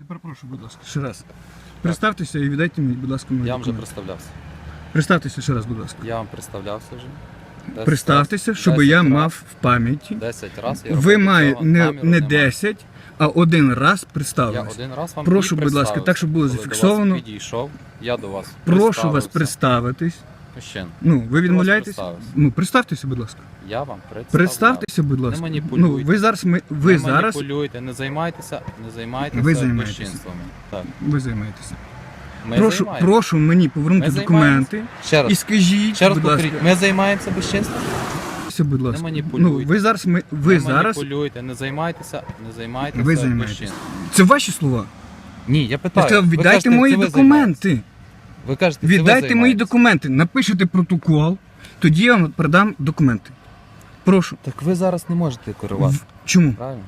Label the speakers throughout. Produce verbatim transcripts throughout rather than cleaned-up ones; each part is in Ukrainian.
Speaker 1: перепрошую, будь ласка, ще раз. Представтеся і віддайте мені, будь ласка, мої
Speaker 2: Я вам вже
Speaker 1: документи.
Speaker 2: представлявся.
Speaker 1: Представтеся ще раз, будь ласка.
Speaker 2: Я вам представлявся вже. десять
Speaker 1: Представтеся,
Speaker 2: раз-
Speaker 1: щоб
Speaker 2: десять
Speaker 1: я
Speaker 2: раз-
Speaker 1: мав в пам'яті.
Speaker 2: десять разів я
Speaker 1: Ви
Speaker 2: робив
Speaker 1: маєте
Speaker 2: цього,
Speaker 1: не,
Speaker 2: наміру
Speaker 1: не
Speaker 2: немає.
Speaker 1: десять, а один раз
Speaker 2: Я
Speaker 1: представились.
Speaker 2: один раз вам
Speaker 1: Прошу,
Speaker 2: і
Speaker 1: будь ласка,
Speaker 2: представився.
Speaker 1: так, щоб було
Speaker 2: Коли
Speaker 1: зафіксовано.
Speaker 2: До вас підійшов, я до вас
Speaker 1: Прошу вас
Speaker 2: представився.
Speaker 1: представитись.
Speaker 2: Мужчин,
Speaker 1: Ну, ви відмовляєтесь?
Speaker 2: представився.
Speaker 1: Ну, представтеся, будь ласка.
Speaker 2: я вам представляв.
Speaker 1: Представтеся, будь ласка.
Speaker 2: Не маніпулюйте.
Speaker 1: Ну, ви зараз ми ви
Speaker 2: не
Speaker 1: зараз
Speaker 2: маніпулюйте, не займайтеся, не займайтеся
Speaker 1: Ви займаєтеся.
Speaker 2: безчинствами. Так.
Speaker 1: ви займаєтеся.
Speaker 2: Ми
Speaker 1: Прошу,
Speaker 2: займаємося.
Speaker 1: прошу мені повернути
Speaker 2: Ми
Speaker 1: документи
Speaker 2: Ще раз,
Speaker 1: і скажіть,
Speaker 2: ще раз
Speaker 1: будь ласка,
Speaker 2: повторіть, ми займаємося безчинством?
Speaker 1: будь ласка.
Speaker 2: маніпулюйте.
Speaker 1: Ну, ви зараз ми ви
Speaker 2: не
Speaker 1: зараз
Speaker 2: маніпулюйте, не займайтеся, не займайтеся
Speaker 1: ви займаєтеся.
Speaker 2: безчинством.
Speaker 1: Це ваші слова.
Speaker 2: Ні, я
Speaker 1: Я
Speaker 2: питаю.
Speaker 1: сказав,
Speaker 2: ви
Speaker 1: віддайте
Speaker 2: кажете,
Speaker 1: мої
Speaker 2: це ви
Speaker 1: документи.
Speaker 2: займаєтесь. Ви кажете, це ви
Speaker 1: Віддайте мої
Speaker 2: займаєтесь.
Speaker 1: документи, напишете протокол, тоді я вам передам документи. Прошу.
Speaker 2: Так ви зараз не можете керувати,
Speaker 1: В- Чому?
Speaker 2: правильно?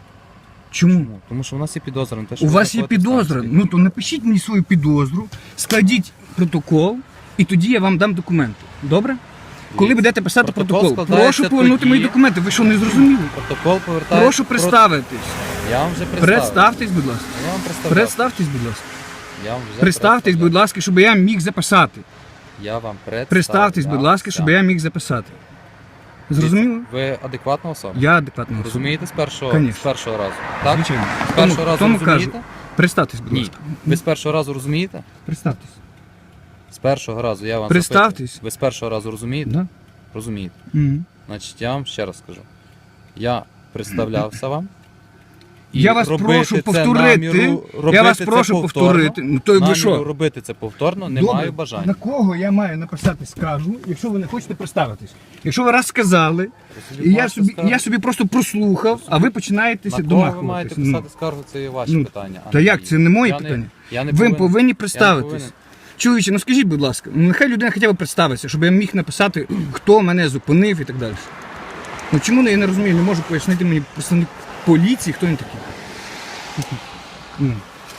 Speaker 1: Чому?
Speaker 2: Чому? Тому що у нас є підозра на те, що
Speaker 1: У
Speaker 2: ви
Speaker 1: вас є
Speaker 2: знаходитесь там
Speaker 1: підозра.
Speaker 2: собі.
Speaker 1: Ну то напишіть мені свою підозру, складіть протокол, і тоді я вам дам документи. Добре? Коли будете писати
Speaker 2: Протокол
Speaker 1: протокол,
Speaker 2: складається
Speaker 1: прошу повернути
Speaker 2: тоді-
Speaker 1: мої документи. Ви що, не зрозуміли?
Speaker 2: Протокол повертає.
Speaker 1: Прошу представитись.
Speaker 2: Я вам вже представив.
Speaker 1: Представтесь, будь ласка.
Speaker 2: Я вам представляв.
Speaker 1: Представтесь, будь ласка.
Speaker 2: Я вам вже
Speaker 1: Представтесь,
Speaker 2: представляв.
Speaker 1: будь ласка, щоб я міг записати.
Speaker 2: Я вам представив.
Speaker 1: Представтесь, будь ласка, щоб я міг записати. Зрозуміло?
Speaker 2: Ви адекватна особа?
Speaker 1: Я адекватна особа.
Speaker 2: Розумієте з першого, з
Speaker 1: Конечно.
Speaker 2: першого разу? Так?
Speaker 1: Звичайно.
Speaker 2: З першого
Speaker 1: Тому-
Speaker 2: разу
Speaker 1: тому
Speaker 2: розумієте?
Speaker 1: кажу. Представтесь, будь
Speaker 2: Ні.
Speaker 1: ласка.
Speaker 2: Ви з першого разу розумієте?
Speaker 1: Представтесь.
Speaker 2: З першого разу я вам
Speaker 1: Представтесь.
Speaker 2: запитую. Ви з першого разу розумієте?
Speaker 1: Да?
Speaker 2: Розумієте.
Speaker 1: Мгм.
Speaker 2: Значить, я вам ще раз скажу. Я представлявся вам. І
Speaker 1: Я вас
Speaker 2: робити
Speaker 1: прошу
Speaker 2: це
Speaker 1: повторити.
Speaker 2: наміру,
Speaker 1: Я
Speaker 2: робити
Speaker 1: вас
Speaker 2: це
Speaker 1: прошу
Speaker 2: повторно,
Speaker 1: повторити. Ну то ви
Speaker 2: наміру
Speaker 1: що?
Speaker 2: робити це повторно не
Speaker 1: Добре.
Speaker 2: маю
Speaker 1: На
Speaker 2: бажання.
Speaker 1: кого я маю написати скаргу, якщо ви не хочете представитись? Якщо ви раз сказали,
Speaker 2: собі
Speaker 1: і я
Speaker 2: можете
Speaker 1: собі,
Speaker 2: скаргу.
Speaker 1: я собі просто прослухав, а ви починаєтеся
Speaker 2: На кого ви маєте
Speaker 1: домахуватись.
Speaker 2: писати
Speaker 1: Ну,
Speaker 2: скаргу, це є ваші
Speaker 1: ну,
Speaker 2: питання. а
Speaker 1: та
Speaker 2: не
Speaker 1: як,
Speaker 2: мої.
Speaker 1: це не мої
Speaker 2: Я
Speaker 1: питання?
Speaker 2: я не
Speaker 1: ви
Speaker 2: повинен-
Speaker 1: повинні
Speaker 2: я не
Speaker 1: представитись.
Speaker 2: повинен.
Speaker 1: Чоловіче, ну скажіть, будь ласка, ну нехай людина хоча б представиться, щоб я міг написати, хто мене зупинив і так далі. Ну чому я не розумію, не можу пояснити мені представник поліції, хто він такий? Ну,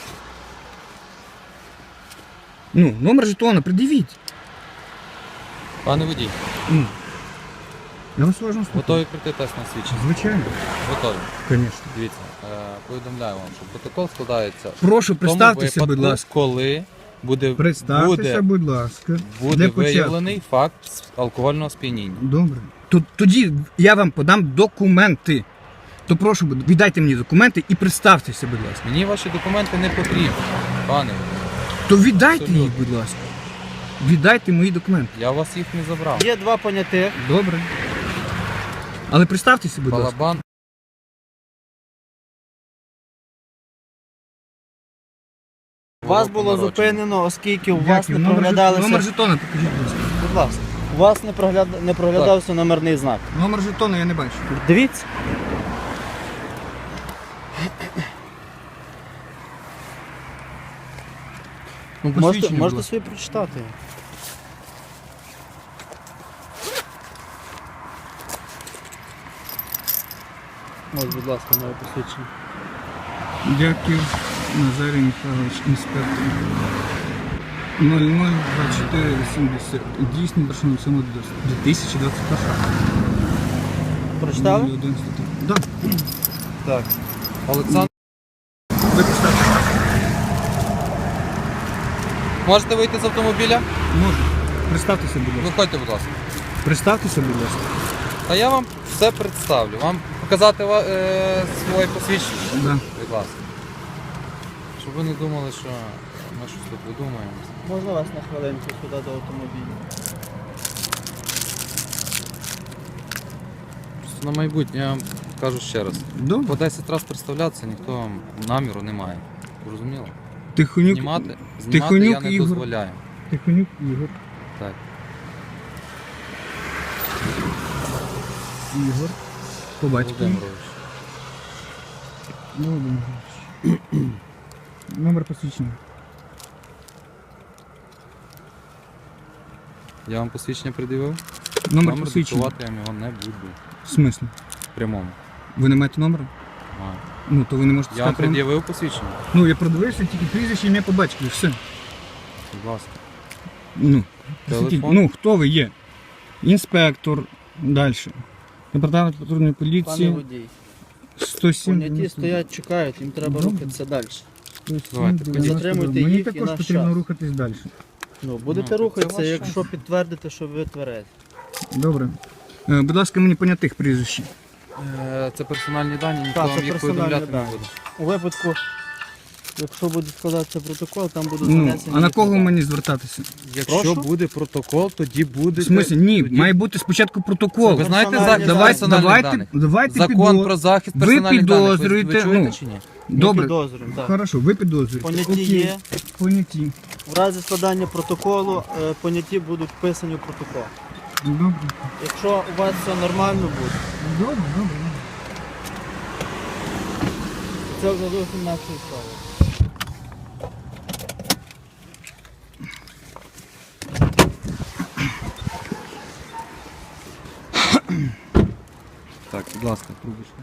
Speaker 1: ну номер жетона, придивіть.
Speaker 2: Пане водій,
Speaker 1: Ну, я вас уважно слухаю.
Speaker 2: готові пройти тест на свідчення?
Speaker 1: Звичайно,
Speaker 2: Готові.
Speaker 1: звісно.
Speaker 2: Дивіться, е, повідомляю вам, що протокол складається
Speaker 1: Прошу,
Speaker 2: в тому
Speaker 1: представтеся,
Speaker 2: випадку,
Speaker 1: будь ласка.
Speaker 2: коли буде,
Speaker 1: Представтеся,
Speaker 2: буде,
Speaker 1: будь ласка.
Speaker 2: буде
Speaker 1: Для початку.
Speaker 2: виявлений факт алкогольного сп'яніння.
Speaker 1: Добре. То- Тоді я вам подам документи. То прошу, будь- віддайте мені документи і представтеся, будь ласка.
Speaker 2: Мені ваші документи не потрібні, пане.
Speaker 1: То віддайте
Speaker 2: Абсолютно.
Speaker 1: їх, будь ласка. Віддайте мої документи.
Speaker 2: Я у вас їх не забрав.
Speaker 3: Є два понятих.
Speaker 1: Добре. Але представтеся, будь ласка.
Speaker 2: Балабан.
Speaker 3: Вас було
Speaker 2: Народження.
Speaker 3: зупинено, оскільки у вас
Speaker 1: Дякую.
Speaker 3: не
Speaker 1: Номер, жет-
Speaker 3: проглядалися.
Speaker 1: номер жетона покажіть, будь ласка.
Speaker 3: Будь ласка. У вас не, прогляд... не проглядався номерний знак.
Speaker 1: Номер жетона я не бачу.
Speaker 3: Дивіться. Ну, можете,
Speaker 1: Посвідчення, будь
Speaker 3: можете
Speaker 1: ласка.
Speaker 3: собі прочитати. Ось, будь ласка, моє посвідчення.
Speaker 1: Дякую, Назарій Михайлович, інспектор. нуль нуль двадцять чотири вісімдесят. Дійсний першого сьомого дві тисячі двадцять першого.
Speaker 3: Прочитали?
Speaker 1: нуль один стаття. Да.
Speaker 2: Так. Олександр,
Speaker 1: Ви представте.
Speaker 2: можете вийти з автомобіля?
Speaker 1: Можу. Представтеся, будь ласка.
Speaker 2: Виходьте, будь ласка.
Speaker 1: Представтеся, будь ласка.
Speaker 2: А я вам все представлю. Вам показати ва- е, своє посвідчення?
Speaker 1: Да.
Speaker 2: Будь ласка. Щоб ви не думали, що ми щось тут видумаємо.
Speaker 3: Можна вас на хвилинку сюди до автомобіля?
Speaker 2: Просто на майбутнє я вам кажу ще раз.
Speaker 1: Добре.
Speaker 2: По десять разів представлятися ніхто вам наміру не має. Зрозуміло?
Speaker 1: Тихонюк,
Speaker 2: Знімати, знімати
Speaker 1: Тихонюк
Speaker 2: я не
Speaker 1: Ігор.
Speaker 2: дозволяю.
Speaker 1: Тихонюк Ігор.
Speaker 2: Так.
Speaker 1: Ігор. По батькові.
Speaker 2: Володимирович.
Speaker 1: Володимир Ігорович. Номер посвідчення.
Speaker 2: Я вам посвідчення придивив?
Speaker 1: Номер посвідчення.
Speaker 2: диктувати я вам його не буду.
Speaker 1: В смислі?
Speaker 2: В прямому.
Speaker 1: Ви не маєте номера?
Speaker 2: Маю.
Speaker 1: Ну, то ви не можете
Speaker 2: Я вам
Speaker 1: сказати. номер.
Speaker 2: пред'явив посвідчення?
Speaker 1: Ну, я продивився тільки прізвище, ім'я по батькові, все.
Speaker 2: Будь ласка.
Speaker 1: Ну,
Speaker 2: Телефон?
Speaker 1: ну, хто ви є? Інспектор. Далі. Департамент патрульної
Speaker 3: Пане
Speaker 1: поліції.
Speaker 3: водій.
Speaker 1: сто сім.
Speaker 3: Поняті стоять, чекають, їм треба
Speaker 1: Добре.
Speaker 3: рухатися далі.
Speaker 2: Давайте,
Speaker 1: будь
Speaker 2: ходіть.
Speaker 1: ласка,
Speaker 3: Затримуйте
Speaker 1: Мені
Speaker 3: їх і
Speaker 1: також
Speaker 3: наш
Speaker 1: потрібно
Speaker 3: час.
Speaker 1: рухатись далі.
Speaker 3: Ну, будете
Speaker 2: Ну, це
Speaker 3: рухатися,
Speaker 2: ваш
Speaker 3: якщо підтвердите, що ви тверезі.
Speaker 1: Добре. Е, Будь ласка, мені понятих прізвищ.
Speaker 2: Е, Це персональні дані, ніхто
Speaker 3: Так,
Speaker 2: вам
Speaker 3: це
Speaker 2: їх
Speaker 3: персональні
Speaker 2: повідомляти не
Speaker 3: дані.
Speaker 2: буде.
Speaker 3: У випадку, якщо буде складатися протокол, там будуть
Speaker 1: Ну,
Speaker 3: занесені.
Speaker 1: а на
Speaker 3: їх
Speaker 1: кого
Speaker 3: дані.
Speaker 1: мені звертатися?
Speaker 2: Якщо
Speaker 3: Прошу?
Speaker 2: буде протокол, тоді буде.
Speaker 1: В смислі, ні, має бути спочатку протокол.
Speaker 2: Ви знаєте
Speaker 3: Персональні
Speaker 2: за
Speaker 3: дані.
Speaker 2: давайте,
Speaker 1: Давайте,
Speaker 2: даних?
Speaker 1: давайте
Speaker 2: Закон
Speaker 1: підоз-
Speaker 2: про захист
Speaker 1: ви
Speaker 2: персональних даних. Ви,
Speaker 1: підозрюєте,
Speaker 2: ви чуєте
Speaker 1: ну,
Speaker 2: чи ні?
Speaker 3: Ми
Speaker 1: Добре,
Speaker 3: підозрюємо, так.
Speaker 1: хорошо, ви підозрюєте.
Speaker 3: Поняті
Speaker 1: Окей.
Speaker 3: є.
Speaker 1: Поняті.
Speaker 3: В разі складання протоколу е, поняті будуть вписані в протокол.
Speaker 1: Добре.
Speaker 3: Якщо у вас все нормально буде,
Speaker 1: Добре, добре.
Speaker 3: це вже зовсім наша справа.
Speaker 2: Так, будь ласка, трубочка.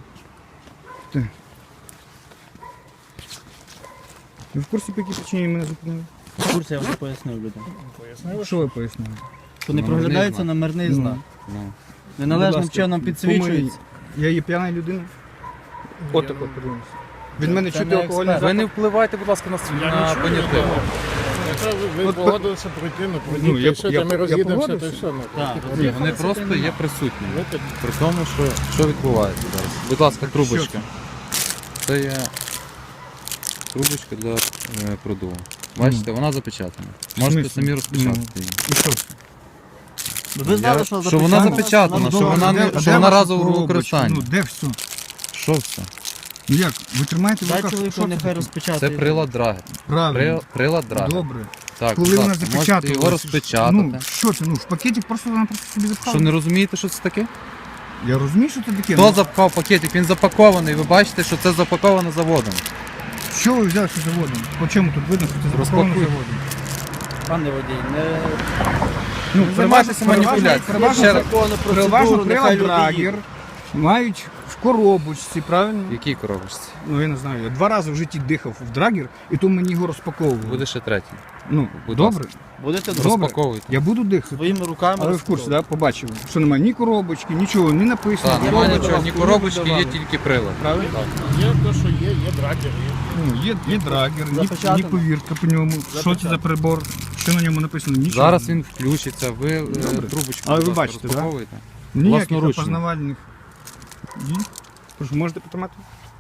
Speaker 1: Ви в курсі, по якій причині мене зупинили?
Speaker 3: В курсі я вже пояснив людям.
Speaker 1: Що ви пояснили?
Speaker 3: Що не
Speaker 2: Номерний
Speaker 3: проглядається
Speaker 2: знак.
Speaker 3: номерний
Speaker 1: Ну.
Speaker 3: знак.
Speaker 2: Ну.
Speaker 3: Неналежним
Speaker 1: Будь ласка,
Speaker 3: чином підсвічується.
Speaker 1: Я є п'яна людина? От тако подивимося. Від мене
Speaker 3: Це
Speaker 1: чути
Speaker 3: не
Speaker 1: алкогольний
Speaker 3: експерт.
Speaker 2: Ви не впливайте, будь ласка, на, на поняття.
Speaker 4: Якщо ви, ви
Speaker 1: От,
Speaker 4: погодилися пройти, ну
Speaker 1: Ну,
Speaker 4: пройдіть,
Speaker 1: я-
Speaker 4: і все,
Speaker 1: я-
Speaker 4: та ми
Speaker 1: я
Speaker 4: роз'їдемося, то
Speaker 1: погодився.
Speaker 4: і все. Ну,
Speaker 3: Так,
Speaker 4: такі
Speaker 2: Ні,
Speaker 4: проблеми.
Speaker 2: вони просто є присутні.
Speaker 4: Ви тут
Speaker 2: При тому, що, що відбувається зараз. Будь ласка,
Speaker 1: що
Speaker 2: трубочка. Це є трубочка для е, продуву. Бачите, вона запечатана. Можете
Speaker 1: смислі?
Speaker 2: самі розпечатати її.
Speaker 1: І що це?
Speaker 3: Ви знали,
Speaker 2: Я-
Speaker 3: що
Speaker 2: що вона
Speaker 3: запечатана?
Speaker 2: запечатана,
Speaker 3: Ну,
Speaker 2: що
Speaker 3: добре.
Speaker 2: вона не-
Speaker 1: Де-
Speaker 2: що
Speaker 1: де
Speaker 2: вона
Speaker 1: ваша
Speaker 2: разового
Speaker 1: коробочка?
Speaker 2: використання.
Speaker 1: Ну, де все?
Speaker 2: Що це?
Speaker 1: Ну як? Ви тримаєте в
Speaker 3: Дай
Speaker 1: руках?
Speaker 3: чоловіку,
Speaker 1: Що це
Speaker 3: нехай
Speaker 1: таке?
Speaker 3: розпечатає.
Speaker 2: Це прилад драгер.
Speaker 1: Правильно.
Speaker 2: При- Прилад драгер.
Speaker 1: Добре.
Speaker 2: Так,
Speaker 1: Коли
Speaker 2: будь
Speaker 1: вона
Speaker 2: ласка, можете
Speaker 1: запечатала.
Speaker 2: його розпечатати.
Speaker 1: Ну, що це? Ну, в пакеті просто вона просто собі запхала.
Speaker 2: Що не розумієте, що це таке?
Speaker 1: Я розумію, що це таке.
Speaker 2: Хто
Speaker 1: ну,
Speaker 2: запхав пакетик? Він запакований. Ви бачите, що це запаковано заводом.
Speaker 1: Що ви взяли, що заводом? По чому тут видно, що це запаковано
Speaker 2: Розпакуй.
Speaker 1: заводом?
Speaker 3: Пане водій, не
Speaker 1: Ну,
Speaker 2: Не займайтеся маніпуляцією.
Speaker 1: Переважно,
Speaker 2: Ще раз.
Speaker 3: законну
Speaker 1: переважно
Speaker 3: процедуру,
Speaker 1: прилад
Speaker 3: нехай люди
Speaker 1: драгер
Speaker 3: їдуть.
Speaker 1: мають в коробочці, правильно?
Speaker 2: В якій коробочці?
Speaker 1: Ну я не знаю, я два рази в житті дихав в драгер, і то мені його розпаковували.
Speaker 2: Буде ще третій.
Speaker 1: Ну,
Speaker 2: Будь
Speaker 1: добре,
Speaker 3: Будете
Speaker 1: Добре.
Speaker 2: Розпаковуйте.
Speaker 1: я буду дихати.
Speaker 3: своїми руками.
Speaker 1: Але ви в курсі, да, побачили, що немає ні коробочки, нічого, не написано.
Speaker 2: Так,
Speaker 1: ні
Speaker 2: немає
Speaker 1: коробочки,
Speaker 2: нічого, ні
Speaker 1: ні
Speaker 2: коробочки, є
Speaker 1: давали.
Speaker 2: тільки прилад.
Speaker 1: Правильно?
Speaker 4: є те, що є, є драгер, є.
Speaker 1: Ну, є, є драгер, ні,
Speaker 3: Запечатано.
Speaker 1: ні повірка по ньому. Що це за прибор? Що на ньому написано? Нічого.
Speaker 2: Зараз він включиться, ви е,
Speaker 1: Добре.
Speaker 2: трубочку
Speaker 1: Але
Speaker 2: будь
Speaker 1: ви
Speaker 2: ласка,
Speaker 1: бачите, да?
Speaker 2: розпаковуєте.
Speaker 1: Ніяких
Speaker 2: власноручно.
Speaker 1: опознавальних дій. Прошу, можете потримати?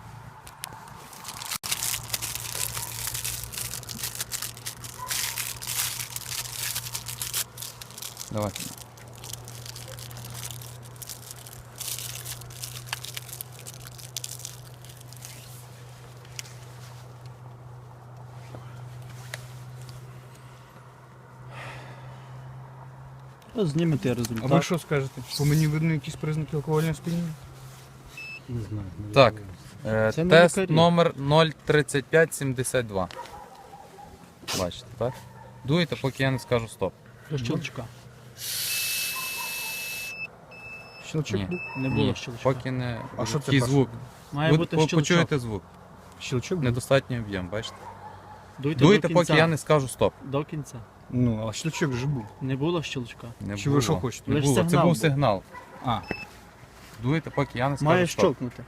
Speaker 2: Давайте.
Speaker 3: Ну, знімете
Speaker 1: А
Speaker 3: результат.
Speaker 1: ви що скажете? По мені видно якісь признаки алкогольного сп'яніння?
Speaker 2: Так, е,
Speaker 3: Це не
Speaker 2: тест
Speaker 3: лікарі.
Speaker 2: номер нуль тридцять п'ять сімдесят два. Бачите, так? Дуєте, поки я не скажу стоп.
Speaker 3: До щелчка.
Speaker 1: Щелчок
Speaker 2: Ні.
Speaker 1: був?
Speaker 3: Не було
Speaker 2: Ні,
Speaker 3: щелчка.
Speaker 2: поки не
Speaker 1: А що це
Speaker 2: такий
Speaker 1: перше?
Speaker 2: звук.
Speaker 3: Має
Speaker 2: Ви
Speaker 3: бути
Speaker 2: по-
Speaker 3: щелчок.
Speaker 2: почуєте звук.
Speaker 1: Щелчок був?
Speaker 2: Недостатній об'єм, бачите?
Speaker 3: Дуйте,
Speaker 2: Дуєте,
Speaker 3: до
Speaker 2: поки
Speaker 3: кінця.
Speaker 2: я не скажу стоп.
Speaker 3: До кінця.
Speaker 1: Ну, а щелчок же був.
Speaker 3: Не було щелчка.
Speaker 2: Не
Speaker 1: Чи
Speaker 2: було.
Speaker 1: ви що хочете?
Speaker 2: Не
Speaker 3: Лиш
Speaker 2: було. Це
Speaker 3: сигнал
Speaker 2: був
Speaker 3: був.
Speaker 2: сигнал.
Speaker 1: А,
Speaker 2: Дуєте, поки я не скажу
Speaker 3: Має
Speaker 2: стоп.
Speaker 3: щелкнути.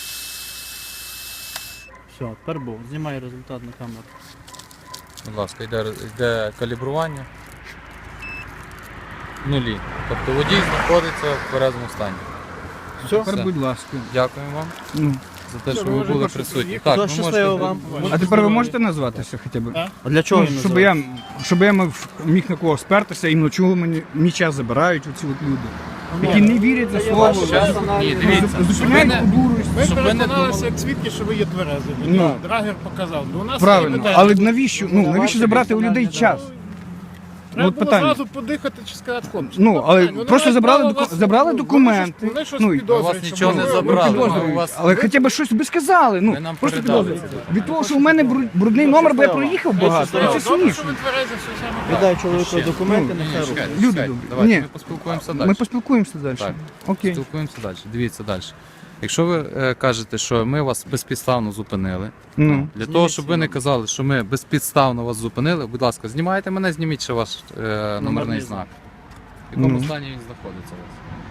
Speaker 3: Все, тепер був. Знімай результат на камеру.
Speaker 2: Будь ласка, йде, йде калібрування. Нулі. Тобто водій знаходиться в тверезому стані.
Speaker 1: все,
Speaker 2: Все.
Speaker 1: тепер будь ласка.
Speaker 2: Дякую вам
Speaker 1: Ну.
Speaker 2: за те,
Speaker 4: Все,
Speaker 2: що
Speaker 4: ви
Speaker 2: ви
Speaker 4: можете
Speaker 2: були
Speaker 4: просто
Speaker 2: присутні.
Speaker 4: приїхати.
Speaker 2: Так,
Speaker 3: Все,
Speaker 2: ви
Speaker 3: щасливо
Speaker 2: можете...
Speaker 3: вам.
Speaker 1: А тепер ви можете назватися хоча б?
Speaker 3: А? А для чого
Speaker 1: Ну,
Speaker 3: їм
Speaker 1: щоб
Speaker 3: називати?
Speaker 1: я, щоб я мав- міг на кого спертися, іменно чого мені мій час забирають оці от люди, які не вірять за
Speaker 3: Це є
Speaker 1: слово,
Speaker 3: ваше
Speaker 2: Щас-
Speaker 3: персональне
Speaker 2: Ні, дивіться.
Speaker 3: право.
Speaker 1: зупиняють
Speaker 2: Щоб
Speaker 1: по дурості.
Speaker 4: Ми
Speaker 2: Щоб ви не
Speaker 4: переконалися,
Speaker 2: думали-
Speaker 4: як свідки, що ви є тверезі.
Speaker 1: Ну.
Speaker 4: Драгер показав. Ну, у нас
Speaker 1: Правильно,
Speaker 4: є питання.
Speaker 1: але навіщо, ну, навіщо забрати у людей час?
Speaker 4: Треба
Speaker 1: от
Speaker 4: було
Speaker 1: питання.
Speaker 4: зразу подихати чи сказати хлопці.
Speaker 1: Ну, але
Speaker 4: питання. Вони
Speaker 1: просто
Speaker 4: мають
Speaker 1: забрали
Speaker 4: право
Speaker 1: доку-
Speaker 4: вас-
Speaker 1: забрали
Speaker 4: ну,
Speaker 1: документи.
Speaker 4: Вони щось, вони щось
Speaker 1: Ну, і-
Speaker 4: підозрюють,
Speaker 2: А вас
Speaker 4: що
Speaker 2: нічого
Speaker 4: ви-
Speaker 2: не
Speaker 4: ви
Speaker 2: забрали,
Speaker 4: підозрюєте.
Speaker 2: ну, у вас-
Speaker 1: Але хоча б щось би сказали. Ну,
Speaker 2: Ви нам
Speaker 1: просто
Speaker 2: передали
Speaker 1: підозрюють.
Speaker 2: це.
Speaker 1: Від того, що у мене бру- брудний номер, бо я проїхав багато,
Speaker 3: щасливо.
Speaker 1: це
Speaker 4: Добре, що
Speaker 1: смішно.
Speaker 4: ви тверезі, все саме правильно.
Speaker 3: Віддай чоловіку
Speaker 2: Ще.
Speaker 3: документи,
Speaker 1: Ну,
Speaker 3: нехай
Speaker 2: Ні,
Speaker 3: робить.
Speaker 2: чекайте,
Speaker 1: Люди
Speaker 2: чекайте.
Speaker 1: добрі.
Speaker 2: Давайте
Speaker 1: Ні.
Speaker 2: ми поспілкуємося далі.
Speaker 1: Ми поспілкуємося далі.
Speaker 2: Так.
Speaker 1: Окей.
Speaker 2: Спілкуємося далі. Дивіться далі. Якщо ви е, кажете, що ми вас безпідставно зупинили,
Speaker 1: Ну.
Speaker 2: для того, щоб ви не казали, що ми безпідставно вас зупинили, будь ласка, знімайте мене, зніміть ще ваш е, номерний знак. В якому
Speaker 1: Ну.
Speaker 2: стані він знаходиться у вас?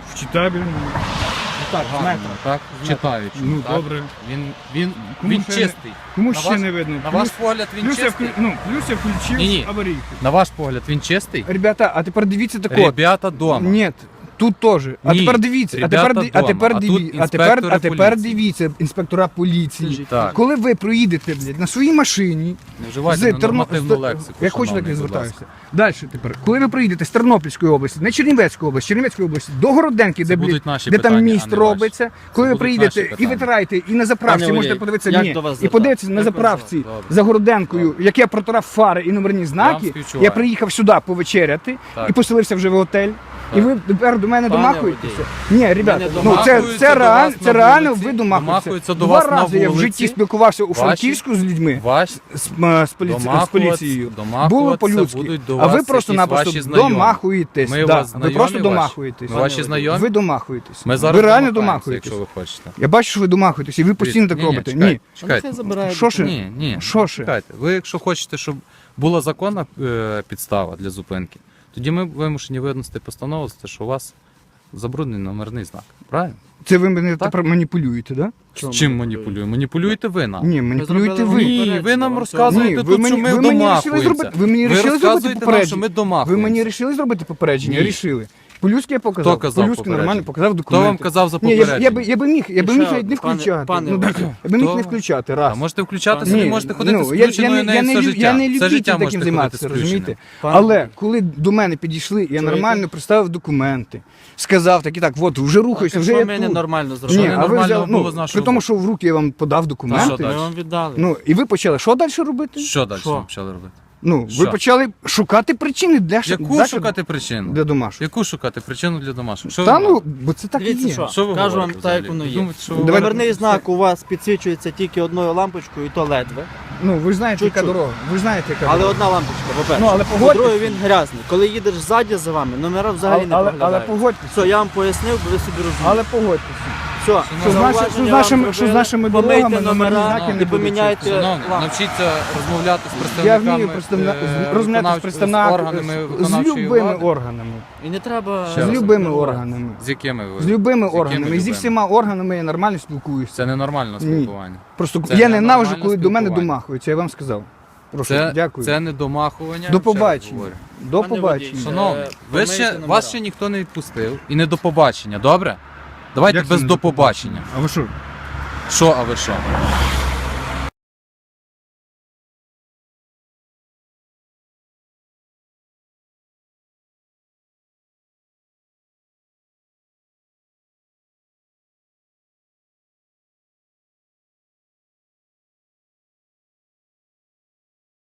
Speaker 1: В читабельному. Так, з
Speaker 2: Гарно,
Speaker 1: метра.
Speaker 2: так? Читаючи.
Speaker 1: Ну,
Speaker 2: так?
Speaker 1: добре.
Speaker 2: Він, він,
Speaker 1: Кому
Speaker 2: він
Speaker 1: ще не-
Speaker 2: чистий.
Speaker 1: Кому
Speaker 2: На
Speaker 1: ще
Speaker 2: ваш-
Speaker 1: не видно?
Speaker 2: На
Speaker 1: Плюс-
Speaker 2: ваш погляд він
Speaker 1: плюс я,
Speaker 2: чистий?
Speaker 1: вклю... ну, плюс я включив
Speaker 2: Ні-ні.
Speaker 1: аварійку.
Speaker 2: На ваш погляд він чистий?
Speaker 1: Ребята, а тепер дивіться тако.
Speaker 2: Ребята дома.
Speaker 1: Ні, тут теж. А
Speaker 2: Ні,
Speaker 1: тепер дивіться, а
Speaker 2: ребята
Speaker 1: тепер, ди- а
Speaker 2: дома,
Speaker 1: тепер,
Speaker 2: а
Speaker 1: диві-
Speaker 2: тут
Speaker 1: а тепер, а
Speaker 2: інспектори
Speaker 1: тепер
Speaker 2: поліції.
Speaker 1: дивіться, інспектора поліції.
Speaker 2: Так.
Speaker 1: Коли ви проїдете, блядь, на своїй машині,
Speaker 2: Не вживайте
Speaker 1: з Терно-
Speaker 2: ненормативну
Speaker 1: з-
Speaker 2: лексику.
Speaker 1: Я хочу так
Speaker 2: шановний,
Speaker 1: не
Speaker 2: будь
Speaker 1: звертаюся.
Speaker 2: ласка.
Speaker 1: Далі тепер, коли ви приїдете з Тернопільської області, не Чернівецької області, Чернівецької області, до Городенки,
Speaker 2: Це
Speaker 1: де,
Speaker 2: будуть
Speaker 1: блядь,
Speaker 2: наші
Speaker 1: де там
Speaker 2: питання,
Speaker 1: міст
Speaker 2: а не ваші.
Speaker 1: робиться, коли ви
Speaker 2: будуть
Speaker 1: приїдете
Speaker 2: наші
Speaker 1: і
Speaker 2: питання.
Speaker 1: витираєте, і на заправці
Speaker 3: Пане
Speaker 1: можете
Speaker 3: водій,
Speaker 1: подивитися,
Speaker 3: як
Speaker 1: ні,
Speaker 3: до вас
Speaker 1: і
Speaker 3: звертатися?
Speaker 1: подивитися на
Speaker 3: Як вас
Speaker 1: заправці
Speaker 2: звертатися?
Speaker 1: за Городенкою, як я протирав фари і номерні знаки,
Speaker 2: співчуваю.
Speaker 1: я приїхав сюди повечеряти
Speaker 2: Так.
Speaker 1: і поселився вже в готель. І
Speaker 2: Так.
Speaker 1: ви тепер до мене
Speaker 3: Пане
Speaker 1: домахуєтеся? Ні, ребята,
Speaker 3: Мене
Speaker 1: ну це,
Speaker 2: домахуються
Speaker 1: це,
Speaker 2: до
Speaker 1: реаль,
Speaker 2: вас
Speaker 1: це
Speaker 2: на
Speaker 1: реально
Speaker 2: вулиці,
Speaker 1: ви домахуєтеся.
Speaker 2: домахуються до
Speaker 1: Два
Speaker 2: вас на
Speaker 1: рази я в
Speaker 2: вулиці.
Speaker 1: житті спілкувався у
Speaker 2: Ваші-
Speaker 1: Франківську з людьми.
Speaker 2: Ваш
Speaker 1: З, м, з, поліці... з
Speaker 2: домахуватися-
Speaker 1: поліцією.
Speaker 2: домахуватися
Speaker 1: Було по-людськи.
Speaker 2: будуть до
Speaker 1: А ви
Speaker 2: вас
Speaker 1: просто-напросто
Speaker 2: якісь ваші знайомі.
Speaker 1: домахуєтесь.
Speaker 2: Ми
Speaker 1: да.
Speaker 2: вас
Speaker 1: Ви
Speaker 2: знайомі
Speaker 1: просто
Speaker 2: ваші?
Speaker 1: домахуєтесь.
Speaker 2: Ми ваші знайомі?
Speaker 1: Ви домахуєтесь.
Speaker 2: Ми зараз
Speaker 1: ви реально
Speaker 2: домахаємося,
Speaker 1: домахуєтесь.
Speaker 2: якщо ви хочете.
Speaker 1: Я бачу, що ви домахуєтесь, і ви постійно так
Speaker 2: Ні, ні,
Speaker 1: робите.
Speaker 2: чекайте,
Speaker 1: Ні.
Speaker 2: чекайте.
Speaker 3: Нехай забирає.
Speaker 1: Що ще?
Speaker 2: Ні, ні.
Speaker 1: Що ще?
Speaker 2: Чекайте. Ви якщо хочете, щоб була законна е, підстава для зупинки, тоді ми вимушені винести постанову за те, що у вас забруднений номерний знак. Правильно?
Speaker 1: Це ви мене
Speaker 2: Так.
Speaker 1: тепер маніпулюєте, так?
Speaker 3: Чому
Speaker 2: З чим
Speaker 3: маніпулюєте?
Speaker 2: маніпулюємо? Маніпулюєте ви нам.
Speaker 1: Ні, маніпулюєте
Speaker 3: зробили
Speaker 1: ви.
Speaker 3: мені-
Speaker 2: Ні, ви нам
Speaker 3: Ні,
Speaker 2: розказуєте
Speaker 1: ви
Speaker 2: тут,
Speaker 1: мені-
Speaker 2: що ми
Speaker 1: ви мені рішили
Speaker 2: домахуємося.
Speaker 1: зробити- ви мені
Speaker 2: Ви
Speaker 1: рішили зробити
Speaker 2: розказуєте нам,
Speaker 1: попередження.
Speaker 2: що ми
Speaker 1: Ви
Speaker 2: домахуємося.
Speaker 1: мені вирішили зробити попередження?
Speaker 2: Ні.
Speaker 1: Рішили. По-людськи я показав.
Speaker 2: Хто казав
Speaker 1: По-людськи нормально
Speaker 2: попередження?
Speaker 1: показав
Speaker 2: Хто
Speaker 1: документи.
Speaker 2: вам казав за
Speaker 1: Ні, я, б- я,
Speaker 2: попередження?
Speaker 1: би, я би міг, я би
Speaker 3: І
Speaker 1: міг
Speaker 3: ще
Speaker 1: навіть не
Speaker 3: одне, пане-
Speaker 1: включати.
Speaker 3: пане
Speaker 1: ну,
Speaker 3: Вадим.
Speaker 1: я би міг
Speaker 2: Хто?
Speaker 1: не включати,
Speaker 2: А
Speaker 1: раз.
Speaker 2: можете включатися,
Speaker 1: Ні,
Speaker 2: ви можете ходити
Speaker 1: ну,
Speaker 2: з
Speaker 1: я, я,
Speaker 2: включеною
Speaker 1: не,
Speaker 2: нею
Speaker 1: я, не,
Speaker 2: все
Speaker 1: лю-
Speaker 2: життя.
Speaker 1: я не
Speaker 2: Все
Speaker 1: любитель
Speaker 2: життя
Speaker 1: таким
Speaker 2: можете
Speaker 1: займатися,
Speaker 2: ходити з включеною.
Speaker 1: розумієте?
Speaker 3: Пане
Speaker 1: Але
Speaker 3: Вадим.
Speaker 1: коли до мене підійшли, я
Speaker 3: Чуєте?
Speaker 1: нормально представив документи, сказав так і так, от вже рухаюся, вже
Speaker 3: Що
Speaker 1: я
Speaker 3: ми
Speaker 1: тут.
Speaker 3: ненормально
Speaker 1: Ні,
Speaker 3: зробили?
Speaker 2: Що
Speaker 1: а ви
Speaker 2: ненормально
Speaker 1: взяли,
Speaker 2: було
Speaker 1: ну,
Speaker 2: з нашого
Speaker 1: при тому,
Speaker 2: боку?
Speaker 1: що в руки я вам подав
Speaker 2: що
Speaker 1: документи.
Speaker 2: далі?
Speaker 3: Ми вам віддали.
Speaker 1: Ну, і ви почали, що далі робити?
Speaker 2: Що далі
Speaker 3: Що?
Speaker 2: ви почали робити?
Speaker 1: Ну, ви
Speaker 2: Що?
Speaker 1: почали шукати причини для ш-
Speaker 2: Яку
Speaker 1: для-
Speaker 2: шукати причину?
Speaker 1: для домашнього.
Speaker 2: Яку шукати причину для домашнього? Що
Speaker 1: Та
Speaker 2: ви
Speaker 1: ну,
Speaker 2: говорите?
Speaker 1: бо це так і
Speaker 3: Дивіться,
Speaker 1: є.
Speaker 3: що,
Speaker 2: Що ви
Speaker 3: кажу вам
Speaker 2: говорите
Speaker 3: так, як
Speaker 2: взагалі?
Speaker 3: воно
Speaker 2: Ви
Speaker 3: є.
Speaker 2: думаєте, що ви
Speaker 1: Давайте-
Speaker 3: Номерний знак у вас підсвічується тільки одною лампочкою, і то ледве.
Speaker 1: Ну, ви ж знаєте, яка
Speaker 3: Чуть-чуть.
Speaker 1: дорога. Ви ж знаєте, яка
Speaker 3: Але
Speaker 1: дорога.
Speaker 3: одна лампочка, по-перше.
Speaker 1: Ну, але погодьтесь.
Speaker 3: По-друге, він грязний. Коли їдеш ззаді за вами, номера взагалі
Speaker 1: але,
Speaker 3: не
Speaker 1: але, але
Speaker 3: проглядають.
Speaker 1: погодьтеся.
Speaker 3: Все, я вам пояснив, бо ви собі розумієте.
Speaker 1: Але погодьтеся.
Speaker 3: Все,
Speaker 1: Що з наші- що з нашими- що з нашими дорогами
Speaker 3: помийте
Speaker 1: номерні
Speaker 3: номера
Speaker 1: знаки не
Speaker 3: і
Speaker 1: будуть
Speaker 3: поміняйте
Speaker 2: Шановний,
Speaker 3: лампи.
Speaker 2: навчіться розмовляти з
Speaker 1: Я
Speaker 2: представниками
Speaker 1: вмію представля...
Speaker 2: е,
Speaker 1: розмовляти з
Speaker 2: виконавч-
Speaker 1: представниками,
Speaker 2: з органами
Speaker 1: з, з
Speaker 2: виконавчої
Speaker 1: любими
Speaker 2: влади.
Speaker 1: органами.
Speaker 3: І не треба...
Speaker 2: Ще
Speaker 1: З
Speaker 2: раз.
Speaker 1: любими органами.
Speaker 2: З якими ви?
Speaker 1: З любими
Speaker 2: якими
Speaker 1: органами. І зі
Speaker 2: любими?
Speaker 1: всіма органами я нормально спілкуюся.
Speaker 2: Це ненормальне спілкування.
Speaker 1: Просто
Speaker 2: Це
Speaker 1: я
Speaker 2: не
Speaker 1: ненавиджу,
Speaker 2: нормальне
Speaker 1: коли до мене
Speaker 2: спілкування.
Speaker 1: домахуються, я вам сказав. Прошу,
Speaker 2: Це,
Speaker 1: дякую.
Speaker 2: це не домахування.
Speaker 1: До
Speaker 2: ще раз
Speaker 1: побачення.
Speaker 2: говорю.
Speaker 1: До
Speaker 3: Пане
Speaker 1: побачення.
Speaker 3: водій,
Speaker 2: Шановний,
Speaker 3: Е,
Speaker 2: ви
Speaker 3: помийте
Speaker 2: ще,
Speaker 3: номера.
Speaker 2: вас ще ніхто не відпустив. І не до побачення, добре? Давайте
Speaker 1: Як це
Speaker 2: без
Speaker 1: не
Speaker 2: до побачення.
Speaker 1: А ви що?
Speaker 2: Що, а ви що?